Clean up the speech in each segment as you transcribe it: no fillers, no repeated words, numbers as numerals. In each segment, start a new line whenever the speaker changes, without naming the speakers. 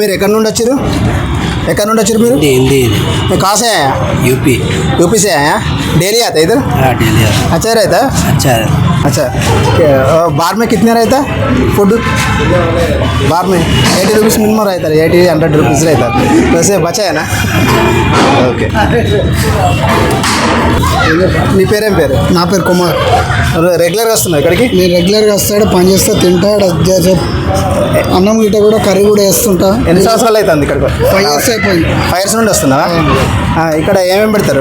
మీరు ఎక్కడి నుండి వచ్చారు మీరు?
हिंदी
कहाँ से आया? यूपी से आया? डेली आता है इधर?
डेली
अच्छा रहता है?
अच्छा है।
अच्छा बार में कितने रहता है फूड? बार में 80 रुपीज़ मिनिमम रहता है, 80-100 रुपीज़ रहता है, वैसे बचा है ना? ఓకే. మీ పేరేం పేరు?
నా పేరు కుమార్.
రెగ్యులర్గా వస్తున్నావు ఇక్కడికి?
నేను రెగ్యులర్గా వస్తాడు, పని చేస్తా, తింటాడు, అన్నం గిట్ట కూడా కర్రీ కూడా వేస్తుంటా.
ఎన్ని సంవత్సరాలు అవుతుంది ఇక్కడికి?
5 years అయిపోయింది.
5 years నుండి వస్తున్నావా? ఇక్కడ ఏమేమి పెడతారు?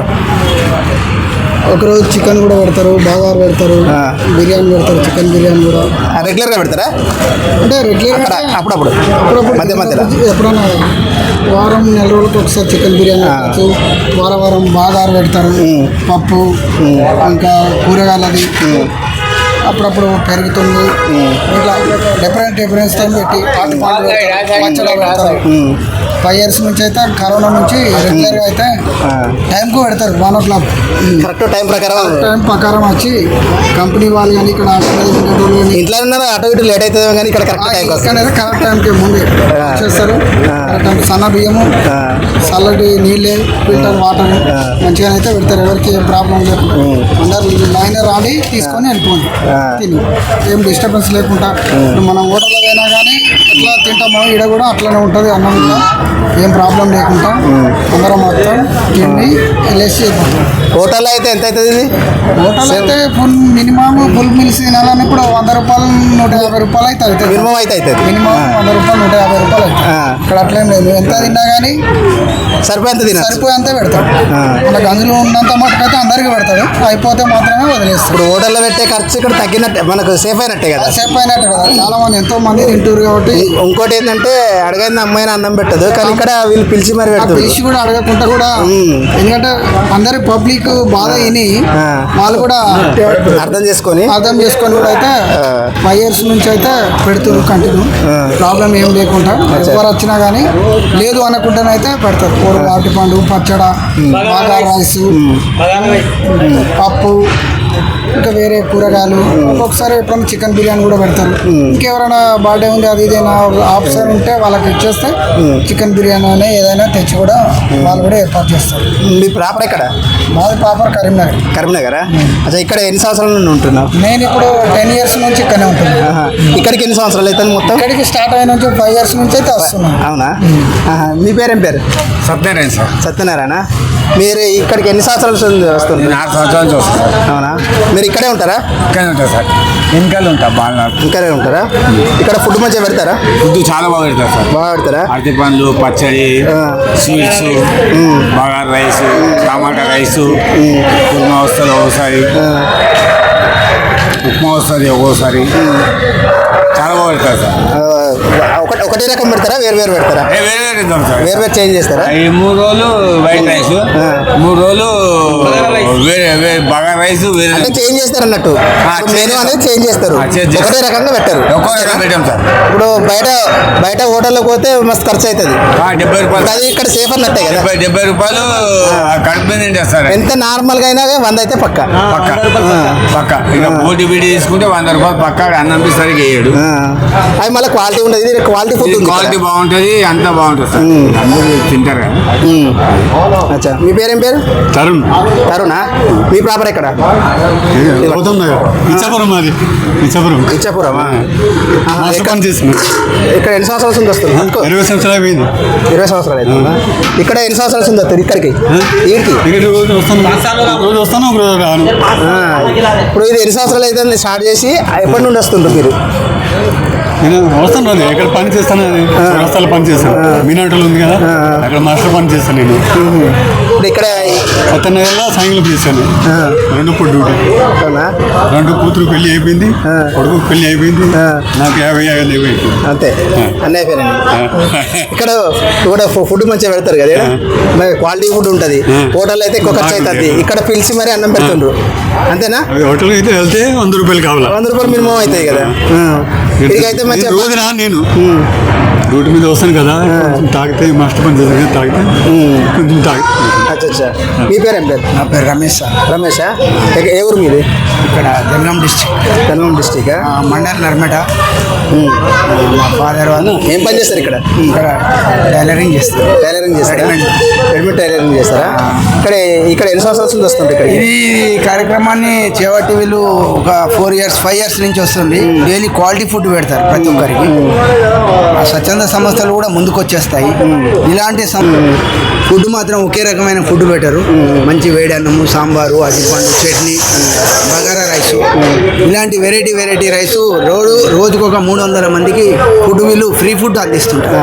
ఒకరోజు చికెన్ కూడా పెడతారు, బాగారు పెడతారు, బిర్యానీ పెడతారు, చికెన్ బిర్యానీ కూడా.
రెగ్యులర్గా పెడతారా?
అంటే రెగ్యులర్గా
అప్పుడప్పుడు మధ్య మధ్యలో
ఎప్పుడన్నా వారం నెల రోజులకు ఒకసారి చికెన్ బిర్యానీ పెట్టచ్చు. వారం బాగారు పెడతారు, పప్పు, ఇంకా కూరగాయలది, అప్పుడప్పుడు పెరుగుతుంది. ఇట్లా డిఫరెన్స్ టైం పెట్టి పచ్చడి పెడతారు. 5 years నుంచి అయితే కరోనా నుంచి రెగ్యులర్గా అయితే టైంకు పెడతారు. 1 o'clock
కరెక్ట్ టైం
ప్రకారం వచ్చి కంపెనీ వాళ్ళు కానీ ఇక్కడ
ఇంట్లో ఉన్నారు. అటు ఇటు లేట్ అవుతుంది కానీ ఇక్కడ
కరెక్ట్ టైంకి ముందు చేస్తారు. సన్న బియ్యము, చల్లటి నీళ్ళే, ఫిల్టర్ వాటర్ మంచిగా అయితే పెడతారు. ఎవరికి ఏం ప్రాబ్లం లేకుండా అందరు లైన్ రాడి తీసుకొని వెళ్ళిపోండి, తిని ఏం డిస్టర్బెన్స్ లేకుండా. మనం హోటల్లో అయినా కానీ ఎట్లా తింటామో ఇక్కడ కూడా అట్లనే ఉంటుంది. అన్నం కూడా ఏం ప్రాబ్లం లేకుండా అందరం మొత్తం తిండి వెళ్ళేసి అయిపోతాం.
హోటల్ అయితే ఎంత అవుతుంది ఇది?
హోటల్ అయితే మినిమం ఫుల్ మీల్స్ తినాలని కూడా 100 రూపాయలు 150 రూపాయలు అయితే అవుతుంది.
మినిమం అయితే అవుతుంది.
మినిమం 100 రూపాయలు 150 రూపాయలు అవుతుంది. ఇక్కడ అట్లేం లేదు, ఎంత తిన్నా కానీ సరిపోయేంత పెడతాడు. మనకు అందులో ఉన్నంత మటుకైతే అందరికీ పెడతాడు, అయిపోతే మాత్రమే వదిలేస్తాడు.
ఇప్పుడు హోటల్లో పెట్టే ఖర్చు ఇక్కడ తగ్గినట్టే, మనకు సేఫ్ అయినట్టే కదా?
సేఫ్ అయినట్టే కదా. చాలా మంది ఎంతో మంది తింటారు కాబట్టి.
ఇంకోటి ఏంటంటే అడగైంది అమ్మాయిని అన్నం పెట్టదు, కానీ ఇక్కడ వీళ్ళు పిలిచి మరి పెడతారు.
పిలిచి కూడా అడగకుండా కూడా, ఎందుకంటే అందరి పబ్లిక్ బాధ విని వాళ్ళు కూడా
అర్థం చేసుకొని
కూడా అయితే 5 years నుంచి అయితే పెడుతున్నారు కంటిన్యూ. ప్రాబ్లం ఏం లేకుండా ఎవరు వచ్చినా కానీ లేదు అనకుండానైతే పెడతారు. కూర, అరటిపండు, పచ్చడ, బాగా రైస్, పప్పు, ఇంకా వేరే కూరగాయలు, ఒక్కొక్కసారి ఎప్పుడైనా చికెన్ బిర్యానీ కూడా పెడతారు. ఇంకెవరైనా బర్త్డే ఉంది అది ఇదేనా ఆప్షన్ ఉంటే వాళ్ళకి ఇచ్చేస్తే చికెన్ బిర్యానీ అనే ఏదైనా తెచ్చి కూడా వాళ్ళు కూడా ఏర్పాటు చేస్తారు.
మీ ప్రాపర్ ఎక్కడ?
మాది ప్రాపర్
కరీంనగరా? అచ్చా, ఇక్కడ ఎన్ని సంవత్సరాల నుండి ఉంటున్నావు?
నేను ఇప్పుడు 10 years నుంచి ఇక్కడనే ఉంటున్నాను.
ఇక్కడికి ఎన్ని సంవత్సరాలు అయితే మొత్తం?
ఇక్కడికి స్టార్ట్ అయిన నుంచి 5 years నుంచి అయితే వస్తున్నాను.
అవునా? మీ పేరేం పేరు?
సత్యనారాయణ సార్.
సత్యనారాయణ. మీరు ఇక్కడికి ఎన్ని సంవత్సరాల నుంచి వస్తున్నారు?
4 సంవత్సరాల నుంచి వస్తున్నారు.
అవునా? మీరు ఇక్కడే ఉంటారా?
ఇక్కడే ఉంటారు సార్. వెనకాల ఉంటా, బాగా
ఇక్కడే ఉంటారా? ఇక్కడ ఫుడ్ మంచిగా పెడతారా?
ఫుడ్ చాలా బాగా పెడతారు సార్.
బాగా పెడతారా?
అరటి పండ్లు, పచ్చడి, స్వీట్స్, బాగా రైస్, టమాటా రైస్, కుర్మా వస్తుంది ఒకసారి, ఉప్మా వస్తుంది ఒక్కోసారి. చాలా బాగా పెడతారు సార్.
ఒకటే రకం పెడతారా? వేరు పెడతారా?
వేరే తింటాం సార్.
వేరు చేంజ్ చేస్తారా?
ఈ 3 రోజులు వైట్ రైస్, 3 రోజులు వేరే బాగా రైస్, వేరే
చేంజ్ చేస్తారు అన్నట్టు. మెనూ అనేది చేంజ్ చేస్తారు, ఒకటే రకంగా పెట్టారు.
ఒక్కో రకం పెట్టాం సార్.
ఇప్పుడు బయట హోటల్లోకి పోతే మస్తు ఖర్చు అవుతుంది.
70 రూపాయలు.
అది ఇక్కడ సేఫ్ అన్నట్టే కదా?
70 రూపాయలు కడుపు నిండేస్తారు.
ఎంత నార్మల్గా అయినా 100 అయితే పక్క.
ఇక పోటీ బీడి తీసుకుంటే 100 రూపాయలు పక్క. అన్నం సరిగ్గా వేయడు.
అది మళ్ళీ క్వాలిటీ ఉండదు. ఇది క్వాలిటీ ఫుడ్,
క్వాలిటీ బాగుంటుంది, అంతా బాగుంటుంది సార్. అందరూ తింటారు కదా.
అచ్చా, మీ పేరేం పేరు? తరుణా. మీ ప్రాపర్ ఎక్కడ? ఇచ్చాపురమా? ఇక్కడ ఎన్ని సంవత్సరాల నుంచి వస్తుంది?
20 సంవత్సరాలు అయిపోయింది.
20 సంవత్సరాలు అవుతుందా? ఇక్కడ ఎన్ని సంవత్సరాల నుంచి వస్తారు ఇక్కడికి?
వస్తాను.
ఇప్పుడు ఇది ఎన్ని సంవత్సరాలు అయితే స్టార్ట్ చేసి ఎప్పటి నుండి వస్తుండ్రు మీరు?
నేను వస్తాను రాదు, ఎక్కడ పని చేస్తాను, వ్యవస్థలో పని చేస్తాను. మీనాటలు ఉంది కదా, అక్కడ మాస్టర్ పని చేస్తాను నేను.
ఇప్పుడు ఇక్కడ
సత్యనగర్లో సాయంత్రం చేశాను. 2 పూట డ్యూటీ. 2 కూతురు పెళ్లి అయిపోయింది, కొడుకు పెళ్లి అయిపోయింది. నాకు 50 అయిపోయింది
అంతే, అన్నీ అయిపోయినాయి. ఇక్కడ కూడా ఫుడ్ మంచిగా పెడతారు కదా, క్వాలిటీ ఫుడ్ ఉంటుంది. హోటల్ అయితే ఎక్కువ ఖర్చు అవుతుంది, ఇక్కడ పిలిచి మరి అన్నం పెడుతుండ్రు, అంతేనా?
హోటల్ అయితే వెళ్తే 100 రూపాయలు కావాలి.
100 రూపాయలు మినిమం అవుతాయి కదా. ఇక్కడికైతే మంచిగా
రోజున నేను డ్యూటీ మీద వస్తాను కదా కొంచెం తాగితే మాస్టర్ పని చేస్తాను కదా, తాగితే కొంచెం తాగి
అచ్చా మీ పేరు ఏం పేరు?
నా పేరు రమేష్ సార్.
రమేషా? ఏ ఊరు మీది?
ఇక్కడ జనగాం డిస్ట్రిక్ట్,
కర్నూలు డిస్టిక్.
మండల్ నర్మట. మా ఫాదర్ వాళ్ళు
ఏం పని చేస్తారు ఇక్కడ?
ఇక్కడ టైలరింగ్ చేస్తారు.
టైలరింగ్ చేస్తారా?
రెడీమేడ్.
రెడీమేడ్ టైలరింగ్ చేస్తారా? ఇక్కడ ఎన్ని సంవత్సరాల నుంచి వస్తుంది ఇక్కడ?
ఇది కార్యక్రమాన్ని చేపట్టి వీళ్ళు ఒక 4 years 5 years నుంచి వస్తుంది. డైలీ క్వాలిటీ ఫుడ్ పెడతారు ప్రతి ఒక్కరికి. ఆ స్వచ్ఛంద సంస్థలు కూడా ముందుకు వచ్చేస్తాయి. ఇలాంటి ఫుడ్ మాత్రం ఒకే రకమైన ఫుడ్ పెట్టరు. మంచి వేడి అన్నము, సాంబారు, అరటిపండు, చట్నీ, బగారా రైసు, ఇలాంటి వెరైటీ రైసు రోజుకు ఒక 300 మందికి ఫుడ్ వీళ్ళు ఫ్రీ ఫుడ్ అందిస్తుంటారు.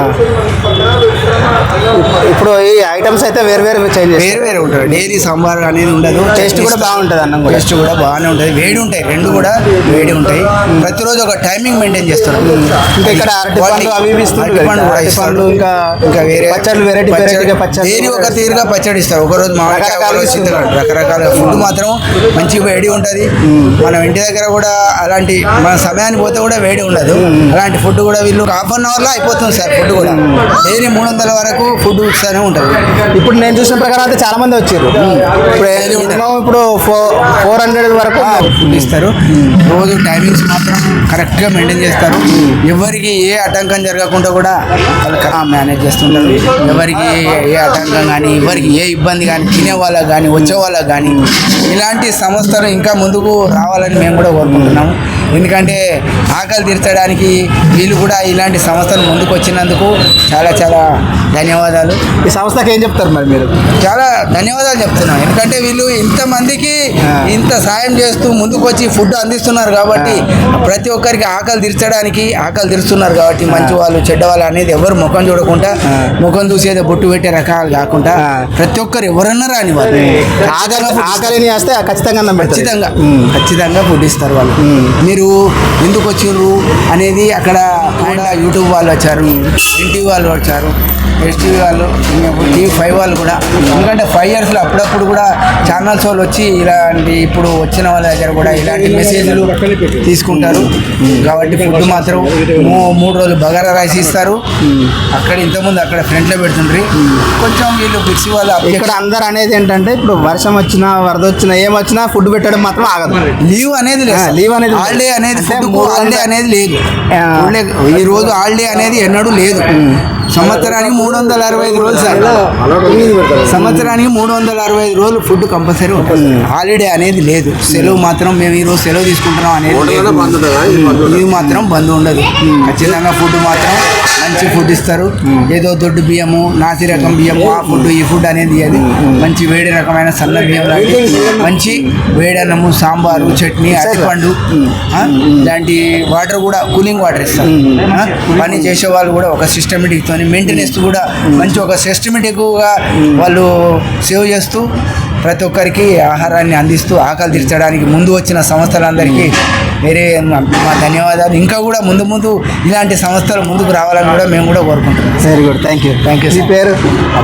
ఇప్పుడు ఈ ఐటమ్స్ అయితే వేరు చేంజ్
వేరు ఉంటారు. డైలీ సాంబార్ అనేది ఉండదు.
టేస్ట్ కూడా బాగుంటుంది, అన్నం కూడా
టేస్ట్ కూడా బాగానే ఉంటుంది. వేడి ఉంటాయి, రెండు కూడా వేడి ఉంటాయి. ప్రతిరోజు ఒక టైమింగ్ మెయింటైన్ చేస్తారు.
ఇంకా ఇక్కడ అరటిపండు అవి ఇవి ఇస్తుంటారు.
అరటిపండు కూడా ఇస్తారు. ఇంకా వేరే
పచ్చళ్ళు వెరైటీగా పచ్చళ్ళు
దేని ఒక తీరుగా పచ్చడి ఇస్తారు. ఒకరోజు మామిడికాయ, ఒకరోజు చింతకాయ, రకరకాల ఫుడ్ మాత్రం మంచి వేడి ఉంటుంది. మనం ఇంటి దగ్గర కూడా అలాంటి మన సమయానికి పోతే కూడా వేడి ఉండదు. అలాంటి ఫుడ్ కూడా వీళ్ళు 1/2 hourలో అయిపోతుంది సార్. ఫుడ్ కూడా డైలీ 300 వరకు ఫుడ్ ఇస్తూనే ఉంటుంది.
ఇప్పుడు నేను చూసిన ప్రకారం అయితే చాలా మంది వచ్చారు. ఇప్పుడు 400 వరకు
ఫుడ్ ఇస్తారు. రోజు టైమింగ్స్ మాత్రం కరెక్ట్గా మెయింటైన్ చేస్తారు. ఎవరికి ఏ ఆటంకం జరగకుండా కూడా వాళ్ళు మేనేజ్ చేస్తుంటారు. ఎవరికి ఏ ఆటంకం కానీ, ఎవరికి ఏ ఇబ్బంది కానీ, తినే వాళ్ళకి కానీ, వచ్చే వాళ్ళకి కానీ, ఇలాంటి సంస్థలు ఇంకా ముందుకు రావాలని మేము కూడా కోరుకుంటున్నాము. ఎందుకంటే ఆకలి తీర్చడానికి వీళ్ళు కూడా ఇలాంటి సంస్థలు ముందుకు వచ్చినందుకు చాలా ధన్యవాదాలు.
ఈ సంస్థకి ఏం చెప్తారు మరి మీరు?
చాలా ధన్యవాదాలు చెప్తున్నాం. ఎందుకంటే వీళ్ళు ఇంతమందికి ఇంత సాయం చేస్తూ ముందుకు వచ్చి ఫుడ్ అందిస్తున్నారు కాబట్టి, ప్రతి ఒక్కరికి ఆకలి తీరుస్తున్నారు కాబట్టి, మంచి వాళ్ళు చెడ్డవాళ్ళు అనేది ఎవరు ముఖం చూడకుండా, ముఖం చూసేది బొట్టు పెట్టే రకాలు కాకుండా ప్రతి ఒక్కరు ఎవరన్నా రాని వాళ్ళు
ఆకలిని వేస్తే ఖచ్చితంగా
ఖచ్చితంగా ఫుడ్ ఇస్తారు వాళ్ళు. మీరు ఎందుకు వచ్చిర్రు అనేది అక్కడ యూట్యూబ్ వాళ్ళు వచ్చారు, ఎన్టీవీ వాళ్ళు వచ్చారు, ఎస్టీవీ వాళ్ళు, TV5 వాళ్ళు కూడా. ఎందుకంటే 5 yearsలో అప్పుడప్పుడు కూడా ఛానల్స్ వాళ్ళు వచ్చి ఇలాంటి ఇప్పుడు వచ్చిన వాళ్ళ దగ్గర కూడా ఇలాంటి మెసేజ్లు తీసుకుంటారు. కాబట్టి ఫుడ్ మాత్రం 3 రోజులు బగారా రైస్ ఇస్తారు. అక్కడ ఇంతకుముందు అక్కడ ఫ్రంట్లో పెడుతుండ్రి. కొంచెం వీళ్ళు బిక్సీ వాళ్ళు
ఇక్కడ అందరు అనేది ఏంటంటే, ఇప్పుడు వర్షం వచ్చినా వరద వచ్చినా ఏమొచ్చినా ఫుడ్ పెట్టడం మాత్రం ఆగదు.
లీవ్ అనేది హాలిడే అనేది హాలిడే అనేది లేదు. ఈ రోజు హాలిడే అనేది ఎన్నడూ లేదు. సంవత్సరానికి 365 రోజులు సార్. సంవత్సరానికి 365 రోజులు ఫుడ్ కంపల్సరీ ఉంటుంది. హాలిడే అనేది లేదు. సెలవు మాత్రం మేము ఈరోజు సెలవు తీసుకుంటున్నాం అనేది ఇది మాత్రం బంద్ ఉండదు. ఖచ్చితంగా ఫుడ్ మాత్రం మంచి ఫుడ్ ఇస్తారు. ఏదో దొడ్డు బియ్యము, నాసి రకం బియ్యము, ఆ ఫుడ్ ఈ ఫుడ్ అనేది అది మంచి వేడి రకమైన సన్న బియ్యం లాంటి మంచి వేడి అన్నము, సాంబారు, చట్నీ, అరటిపండు ఇలాంటి వాటర్ కూడా కూలింగ్ వాటర్ ఇస్తారు. పని చేసే వాళ్ళు కూడా ఒక సిస్టమేటిక్తో మెయింటెనెన్స్ కూడా మంచి ఒక సిస్టమేటిక్గా వాళ్ళు సేవ్ చేస్తూ ప్రతి ఒక్కరికి ఆహారాన్ని అందిస్తూ ఆకలి తీర్చడానికి ముందు వచ్చిన సంస్థలందరికీ మా ధన్యవాదాలు. ఇంకా కూడా ముందు ఇలాంటి సంస్థలు ముందుకు రావాలని కూడా మేము కూడా కోరుకుంటున్నాం.
Very good, thank you. మీ పేరు?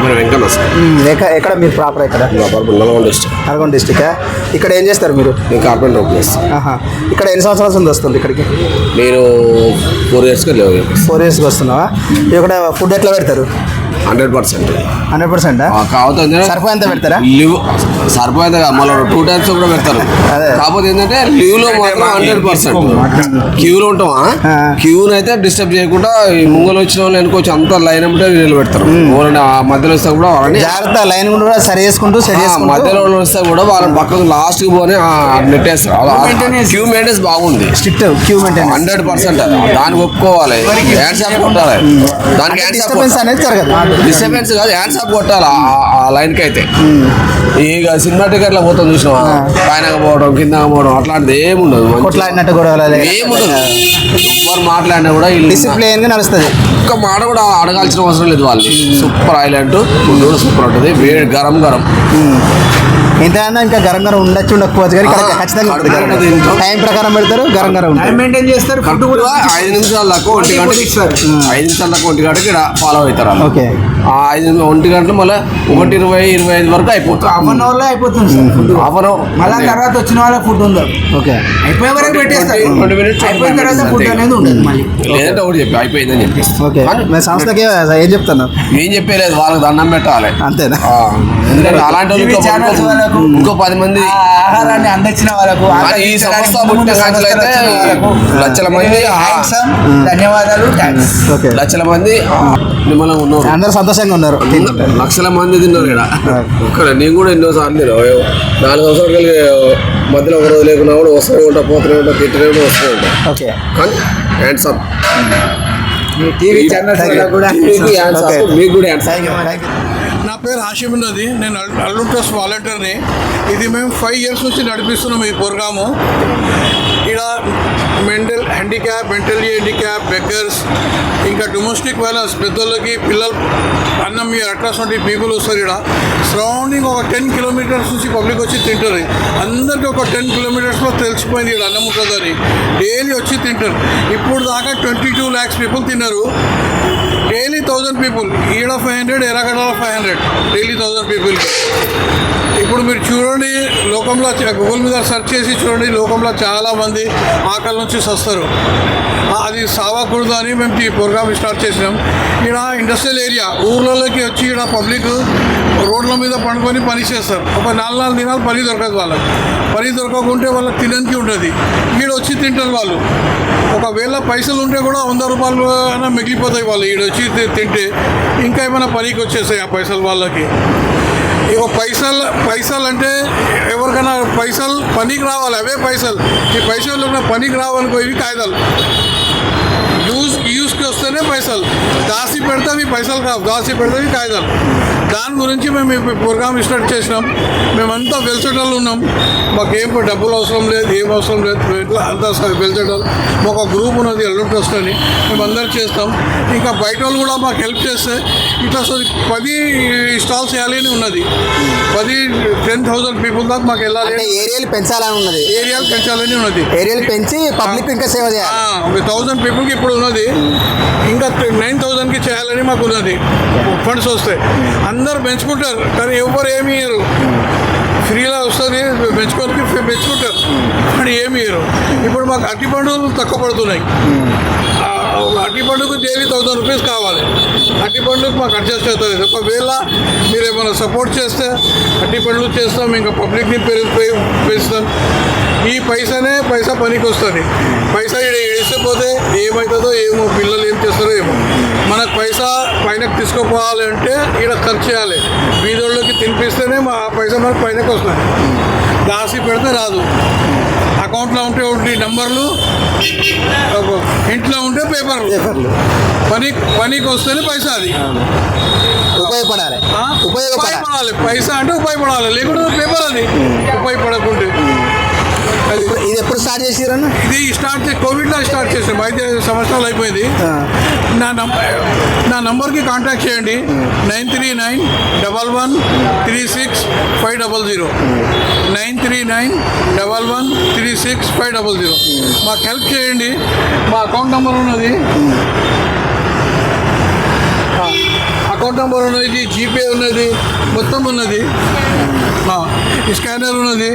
ఎక్కడ మీరు ప్రాపర్? ఇక్కడ నల్గొండ డిస్టిక్. ఇక్కడ ఏం చేస్తారు మీరు?
Carpenter place.
ఇక్కడ ఎన్ని సంవత్సరాల నుంచి వస్తుంది ఇక్కడికి?
నేను 4 yearsకి
వస్తున్నావా? ఇక్కడ ఫుడ్ ఎట్లా పెడతారు?
100%.
కాకపోతే సరిపోయేంత పెడతారా?
లీవ్ సరిపోయేంత మళ్ళీ 2 times కూడా పెడతారు. కాకపోతే ఏంటంటే లీవ్లో మాత్రం 100%. క్యూలో ఉంటామా, క్యూని అయితే డిస్టర్బ్ చేయకుండా ముంగలు వచ్చిన వాళ్ళు వెనుకొచ్చి అంతా లైన్ అమ్మటే నీళ్ళు పెడతారు. మధ్యలో వస్తే కూడా వాళ్ళని
జాగ్రత్త లైన్ కూడా సరి చేసుకుంటూ
మధ్యలో వస్తే కూడా వాళ్ళని పక్కకు లాస్ట్కి పోని నెట్టేస్తారు. క్యూ మెయింటెన్స్ బాగుంది,
స్ట్రిక్ట్ క్యూ మెయింటెన్స్
100%. దానికి ఒప్పుకోవాలి, హ్యాండ్స్ ఆఫ్ కొట్టాలి. దానికి
డిస్టర్బెన్స్ అనేది జరగదు.
డిస్టర్బెన్స్ కాదు, హ్యాండ్స్ ఆఫ్ కొట్టాలి ఆ లైన్కి అయితే. ఇక సినిమా టికెట్లో పోతాం చూసినావా, పైన పోవడం కింద పోవడం అట్లాంటిది ఏముండదు.
కొట్లాడినట్టు కూడా
ఏముండదు. ఎవరు మాట్లాడినా కూడా
డిసిప్లిన్ గా నడుస్తుంది.
ఒక్క మాట కూడా అడగాల్సిన అవసరం లేదు. వాళ్ళు సూపర్ ఐలాండ్ ఫుడ్ కూడా సూపర్ ఉంటుంది. వేడి గరం
ఇంతకన్నా ఇంకా గరం గరం ఉండొచ్చు ఉండకపోవచ్చు కానీ ఇక్కడ ఖచ్చితంగా ఉంటుంది గరం గరం. టైం ప్రకారం పెడతారు, గరం గరం ఉంటుంది.
మెయింటైన్ చేస్తారు. ఫుడ్
కరెక్ట్గా 5 నిమిషాల దాకా 1 గంట 5 నిమిషాల దాకా 1 గంటకి ఇక్కడ ఫాలో అవుతారు వాళ్ళు.
ఓకే.
ఆ 1 గంటలు మళ్ళీ 1:20-25 వరకు అయిపోతుంది.
హాఫ్ అన్ అవర్లో అయిపోతుంది sir food.
Half an hour
మళ్ళీ తర్వాత వచ్చిన వాళ్ళకి ఫుడ్ ఉండదు.
ఓకే.
అయిపోయే వరకు పెట్టేస్తారు.
20 minutes
అయిపోయిన తర్వాత ఫుడ్ అనేది ఉండదు మళ్ళీ.
లేదంటే ఒకటి చెప్పి అయిపోయిందని చెప్పేసి
ఓకే. మీ సంస్థకి ఏం చెప్తాను?
ఏం చెప్పలేదు, వాళ్ళకి దండం పెట్టాలి.
అంతేనా?
ఎందుకంటే అలాంటి వాళ్ళు ఇంకో 10 మంది
ఆహారాన్ని అందించిన వాళ్ళకు
కానీ ఈ సంస్థ పుట్టిన సంఖ్యలో అయితే లక్షల మంది
ధన్యవాదాలు.
ఓకే.
లక్షల మంది మిమ్మల్ని ఉన్నారు,
అందరూ సంతోషంగా ఉన్నారు.
లక్షల మంది తిన్నారు ఇక్కడ. ఒక్కడ నేను కూడా ఎన్నోసార్లు తిన్నా 4 సంవత్సరాలు కలిగి మధ్యలో ఒక రోజు లేకున్నా కూడా వస్తూనే ఉంటా, పోతూనే ఉంటా, తిట్టనే ఉంటా, వస్తూనే ఉంటా.
ఓకే.
కానీ హ్యాండ్స్ అప్
టీవీ ఛానల్స్ కూడా
మీకు హ్యాండ్స్ అప్, మీకు కూడా హ్యాండ్స్ అప్.
నా పేరు హాషిమ్ ఉన్నది. నేను అల్లుం ట్రస్ట్ వాలంటీర్ని. ఇది మేము 5 years నుంచి నడిపిస్తున్నాం ఈ ప్రోగ్రాము. ఇక్కడ మెంటల్లీ హ్యాండిక్యాప్, బెగ్గర్స్, ఇంకా డొమెస్టిక్ వైలెన్స్, పెద్దోళ్ళకి పిల్లలు అన్నం మీరు అట్లాంటి పీపుల్ వస్తారు. ఇక్కడ సరౌండింగ్ ఒక 10 kilometers నుంచి పబ్లిక్ వచ్చి తింటారు. అందరికీ ఒక 10 kilometersలో తెలిసిపోయింది ఇక్కడ అన్నం ఉంటుందని. డైలీ వచ్చి తింటారు. ఇప్పుడు దాకా 22 lakhs people తిన్నారు. డైలీ 1000 people, ఈడ 500, ఎర్రగడ్డలో 500, డైలీ 1000 people. ఇప్పుడు మీరు చూడండి, లోకంలో గూగుల్ మీద సెర్చ్ చేసి చూడండి, లోకంలో చాలామంది ఆకలి నుంచి సస్తారు. అది సావకూడదు అని మేము ఈ ప్రోగ్రామ్ స్టార్ట్ చేసినాం. ఇక్కడ ఇండస్ట్రియల్ ఏరియా ఊర్లలోకి వచ్చి ఇక్కడ పబ్లిక్ రోడ్ల మీద పండుకొని పని చేస్తారు. ఒక 4 దినాలు పని దొరకదు వాళ్ళకి. పని దొరకకుంటే వాళ్ళకి తినడానికి ఉంటుంది. ఈడ వచ్చి తింటారు వాళ్ళు. ఒకవేళ పైసలు ఉంటే కూడా 100 రూపాయలు అయినా మిగిలిపోతాయి వాళ్ళు ఈడ వచ్చి తింటే. ఇంకా ఏమైనా పనికి వచ్చేస్తాయి ఆ పైసలు వాళ్ళకి. ఇక పైసలు అంటే ఎవరికైనా పైసలు పనికి రావాలి, అవే పైసలు. ఈ పైసలు పనికి రావనుకో, ఇవి కాగితాలు యూస్కి వస్తేనే పైసలు. దాసి పెడితే అవి పైసలు కావు, దాసి పెడితే అవి కాగితాలు. దాని గురించి మేము ఈ ప్రోగ్రామ్ స్టార్ట్ చేసినాం. మేమంతా వెల్సెటర్లు ఉన్నాం. మాకేం డబ్బులు అవసరం లేదు, ఏం అవసరం లేదు. ఇట్లా అంతా వెల్సెటర్. మాకు ఒక గ్రూప్ ఉన్నది అల్లుం ట్రస్ట్ అని, మేము అందరూ చేస్తాం. ఇంకా బయట వాళ్ళు కూడా మాకు హెల్ప్ చేస్తే ఇట్లా 10 స్టాల్స్ వేయాలని ఉన్నది. 10,000 people దాకా మాకు వెళ్ళాలి.
ఏరియాలు పెంచాలని ఉన్నది.
ఏరియాలు పెంచాలని ఉన్నది.
ఏరియాలు పెంచి పబ్లిక్ ఇంకా సేవ చేయాలి.
1,000 peopleకి ఇప్పుడు ఉన్నది. ఇంకా 9,000కి చేయాలని మాకు ఉన్నది. ఫండ్స్ వస్తాయి, అందరు పెంచుకుంటారు. కానీ ఎవరు ఏమి ఇయ్యరు. ఫ్రీలా వస్తుంది, పెంచుకుంటారు కానీ ఏమి ఇయ్యరు. ఇప్పుడు మాకు అరటి పండుగలు తక్కువ పడుతున్నాయి. అరటి పండుగకు డైలీ 1,000 rupees కావాలి. అరటి పండుగకు మాకు అడ్జస్ట్ అవుతుంది. ఒకవేళ మీరు ఏమైనా సపోర్ట్ చేస్తే అరటి పండుగ చేస్తాం, ఇంకా పబ్లిక్ని పెంచుతాం. ఈ పైసా పనికి వస్తుంది. పైసా ఇడిసిపోతే ఏమవుతుందో ఏమో, పిల్లలు ఏం చేస్తారో ఏమో. మనకు పైసా పైనకు తీసుకుపోవాలంటే ఇక్కడ ఖర్చు చేయాలి. బీదోళ్ళకి తినిపిస్తేనే ఆ పైసా మనకు పైనకు వస్తుంది. దాసి పెడితే రాదు. అకౌంట్లో ఉంటే ఒకటి నెంబర్లు, ఇంట్లో ఉంటే పేపర్లు. పనికి వస్తేనే పైసా. అది
ఉపయోగపడాలి.
పైసా అంటే ఉపయోగపడాలి, లేకుంటే పేపర్ అది ఉపయోగపడకుంటే.
ఇది ఎప్పుడు స్టార్ట్ చేసిరన్న?
ఇది కోవిడ్లో స్టార్ట్ చేసాం. 5 సంవత్సరాలు అయిపోయింది. నా నంబర్కి కాంటాక్ట్ చేయండి. 939113650. 939113650. మాకు హెల్ప్ చేయండి. మా అకౌంట్ నెంబర్ ఉన్నది, జీపే ఉన్నది, మొత్తం ఉన్నది. స్కానర్ ఉన్నది.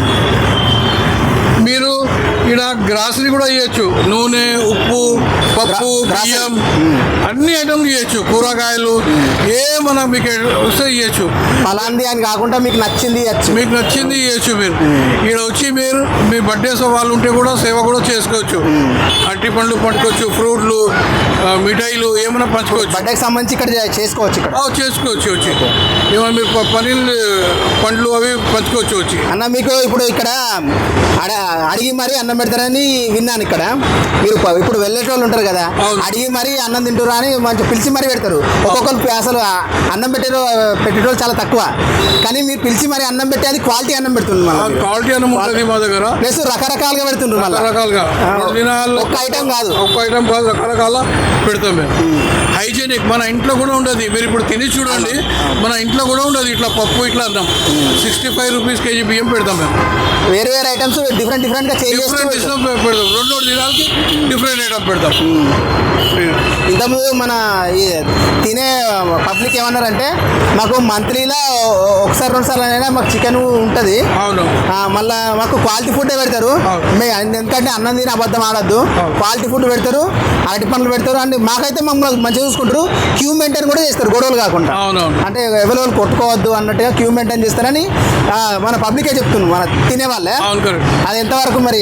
మీరు ఇక్కడ గ్రాసరీ కూడా ఇవ్వచ్చు. నూనె, ఉప్పు, పప్పు, బియ్యం, అన్ని ఐటమ్లు ఇవ్వచ్చు. కూరగాయలు ఏమన్నా మీకు వస్తే ఇవ్వచ్చు.
అలాంటి అని కాకుండా మీకు నచ్చింది ఇవ్వచ్చు.
మీరు ఇక్కడ వచ్చి మీరు మీ బర్త్డేస్ వాళ్ళు ఉంటే కూడా సేవ కూడా చేసుకోవచ్చు. అరటి పండ్లు పట్టుకోవచ్చు, ఫ్రూట్లు, మిఠాయిలు ఏమైనా పంచుకోవచ్చు.
బర్త్డేకి సంబంధించి ఇక్కడ చేసుకోవచ్చు.
వచ్చి ఏమైనా మీరు పండ్లు అవి పంచుకోవచ్చు వచ్చి.
అన్న మీకు ఇప్పుడు ఇక్కడ అడిగి మరీ అన్నం పెడతారని విన్నాను. ఇక్కడ మీరు ఇప్పుడు వెళ్ళేటోళ్ళు ఉంటారు కదా, అడిగి మరీ అన్నం తింటారు అని మంచి పిలిచి మరీ పెడతారు. ఒక్కొక్కరు అసలు అన్నం పెట్టేటోళ్ళు చాలా తక్కువ. కానీ మీరు పిలిచి మరీ అన్నం పెట్టి అది క్వాలిటీ అన్నం పెడుతుంది.
క్వాలిటీ అన్నం ఉంటుంది మా దగ్గర.
ప్లస్ రకరకాలుగా పెడుతుంటారు.
రకరకాలుగా
ఒక్క ఐటమ్ కాదు,
రకరకాల పెడతాం మేము. హైజీనిక్. మన ఇంట్లో కూడా ఉండదు. మీరు ఇప్పుడు తిని చూడండి, మన ఇంట్లో కూడా ఉండదు. ఇట్లా పప్పు ఇట్లా అన్నాం. 65 రూపీస్ కేజీ బియ్యం పెడతాం మేము.
వేరే వేరే ఐటమ్స్ డిఫరెంట్గా చేంజ్
డిఫరెంట్
చేస్తూ
పెడతాం. రెండు దినాలకి డిఫరెంట్ ఐటమ్ పెడతాం.
ఇంతకుముందు మన ఈ తినే పబ్లిక్ ఏమన్నారంటే మాకు మంత్లీలో ఒకసారి 2 సార్లు అయినా మాకు చికెన్ ఉంటుంది,
అవును,
మళ్ళీ మాకు క్వాలిటీ ఫుడ్ పెడతారు. ఎందుకంటే అన్నం తిని అబద్ధం ఆడద్దు, క్వాలిటీ ఫుడ్ పెడతారు, అరటి పండ్లు పెడతారు. అండ్ మాకైతే మమ్మల్ని మంచిగా చూసుకుంటారు. క్యూ మెయింటైన్ కూడా చేస్తారు, గొడవలు కాకుండా.
అవునవును.
అంటే ఎవరు కొట్టుకోవద్దు అన్నట్టుగా క్యూ మెయింటైన్ చేస్తారని మన పబ్లికే చెప్తున్నాం, మన తినే వాళ్ళే. అది ఎంతవరకు మరి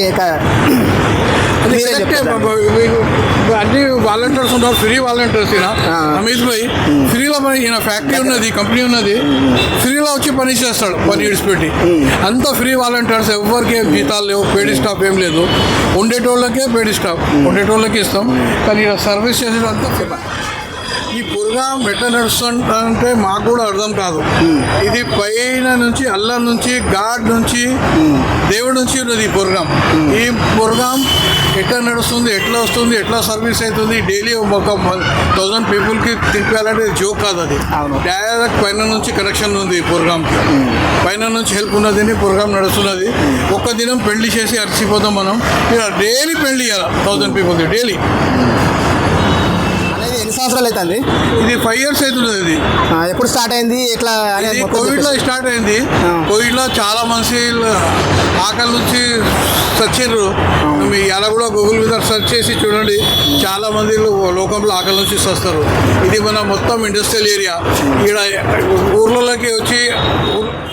అన్ని వాలంటీర్స్ ఉన్నారు, ఫ్రీ వాలంటీర్స్. రమేష్ భాయ్ ఫ్రీలో పని, ఈయన ఫ్యాక్టరీ ఉన్నది, కంపెనీ ఉన్నది, ఫ్రీలో వచ్చి పని చేస్తాడు, పని విడిచిపెట్టి. అంతా ఫ్రీ వాలంటీర్స్, ఎవరికి జీతాలు లేవు, పేడ్ స్టాఫ్ ఏం లేదు. ఉండేటోళ్ళకే పేడ్ స్టాఫ్, ఉండేటోళ్ళకి ఇస్తాం. కానీ సర్వీస్ చేసేదంతా ఫ్రీ. ఈ ప్రోగ్రామ్ ఎట్లా నడుస్తుంటే మాకు కూడా అర్థం కాదు. ఇది పైన నుంచి అల్లా నుంచి గాడ్ నుంచి దేవుడి నుంచి ఉన్నది ఈ ప్రోగ్రామ్. ఈ ప్రోగ్రామ్ ఎట్లా నడుస్తుంది, ఎట్లా వస్తుంది, ఎట్లా సర్వీస్ అవుతుంది, డైలీ ఒక 1000 పీపుల్కి తినిపించాలంటే జోక్ కాదు. అది డైరెక్ట్ పైన నుంచి కనెక్షన్ ఉంది ఈ ప్రోగ్రామ్కి. పైన నుంచి హెల్ప్ ఉన్నది, ప్రోగ్రామ్ నడుస్తున్నది. ఒక్క దినం పెళ్లి చేసి అరిచిపోతాం మనం. డైలీ పెళ్లి చేయాలి 1000 పీపుల్కి డైలీ.
ఎన్ని సంవత్సరాలు అవుతుంది
ఇది? 5 years అవుతుంది. ఇది
ఎప్పుడు స్టార్ట్ అయింది, ఎట్లా?
కోవిడ్లో స్టార్ట్ అయింది. కోవిడ్లో చాలా మంది ఆకలి నుంచి చచ్చారు. మీ అలా కూడా గూగుల్ మీద సెర్చ్ చేసి చూడండి, చాలా మంది లోకంలో ఆకలి నుంచి వస్తారు. ఇది మన మొత్తం ఇండస్ట్రియల్ ఏరియా. ఇక్కడ ఊర్లలోకి వచ్చి